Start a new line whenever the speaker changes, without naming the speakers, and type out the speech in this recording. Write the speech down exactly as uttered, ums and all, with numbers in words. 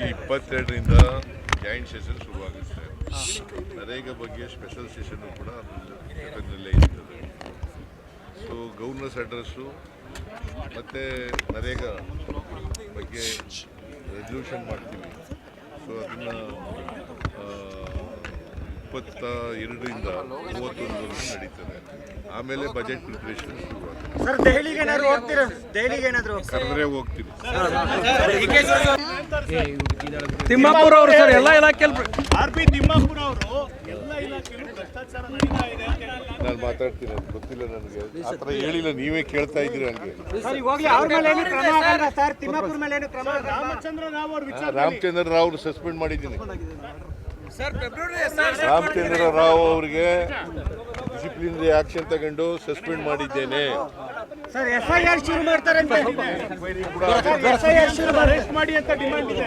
ಇಪ್ಪತ್ತೆರಡರಿಂದ joint session ಶುರುವಾಗುತ್ತೆ. ನರೇಗಾ ಬಗ್ಗೆ ಸ್ಪೆಷಲ್ ಸೆಷನ್ ಕೂಡ ಅದರಲ್ಲೇ ಇರ್ತದೆ. ಸೊ ಗವರ್ನರ್ಸ್ ಅಡ್ರೆಸ್ಸು ಮತ್ತು ನರೇಗಾ ಬಗ್ಗೆ ರೆಸಲ್ಯೂಷನ್ ಮಾಡ್ತೀವಿ. ಸೊ ಅದನ್ನು ಇಪ್ಪತ್ತ ಎರಡರಿಂದ ಮೂವತ್ತೊಂದವರೆಗೂ ನಡೀತದೆ. ಆಮೇಲೆ ಬಜೆಟ್ ಪ್ರಿಪರೇಷನ್ ಶುರುವಾಗುತ್ತೆ.
ಸರ್ ದೆಹಲಿಗೆ ಏನಾದ್ರು ಹೋಗ್ತೀರಾ? ದೆಹಲಿಗೆ ಏನಾದ್ರು
ಕರೆದ್ರೆ ಹೋಗ್ತೀವಿ.
ತಿಮ್ಮಾಪುರ ಅವರು ಸರ್ ಎಲ್ಲ ಇಲಾಖೆಯಲ್ಲಿ
ಆರ್ ಪಿ ತಿಮ್ಮಾಪುರ ಅವರು ಎಲ್ಲ ಇಲಾಖೆಯಲ್ಲೂ ಭ್ರಷ್ಟಾಚಾರ ನಡೀತಾ ಇದೆ ಅಂತ ಹೇಳಿದ್ದಾರೆ.
ನಾನು ಮಾತಾಡ್ತೀನಿ, ಅದು ಗೊತ್ತಿಲ್ಲ ನನಗೆ, ಆ ಥರ ಹೇಳಿಲ್ಲ, ನೀವೇ ಕೇಳ್ತಾ ಇದ್ದೀರಿ ಹಂಗೆ.
ಸರ್ ಈಗ ಹೋಗಿ ಅವ್ರ ಮೇಲೆ ಏನು ಕ್ರಮ ಆಗಲ್ಲ ಸರ್? ತಿಮ್ಮಾಪುರ ಮೇಲೆ ಏನು ಕ್ರಮ? ರಾಮಚಂದ್ರ ರಾವ್ ಅವ್ರ ವಿಚಾರ
ರಾಮಚಂದ್ರ ರಾವ್ ಸಸ್ಪೆಂಡ್ ಮಾಡಿದ್ದೀನಿ. ರಾಮಚಂದ್ರ ರಾವ್ ಅವರಿಗೆ ಡಿಸಿಪ್ಲಿನರಿ ಆಕ್ಷನ್ ತಗೊಂಡು ಸಸ್ಪೆಂಡ್ ಮಾಡಿದ್ದೇನೆ.
ಸರ್ ಎಫ್ ಐ ಆರ್ ಶುರು ಮಾಡ್ತಾರೆ ಅಂತ ಎಫ್ ಐ ಆರ್ ಶುರು ಮಾಡಿ ಅಂತ ಡಿಮಾಂಡ್ ಇದೆ.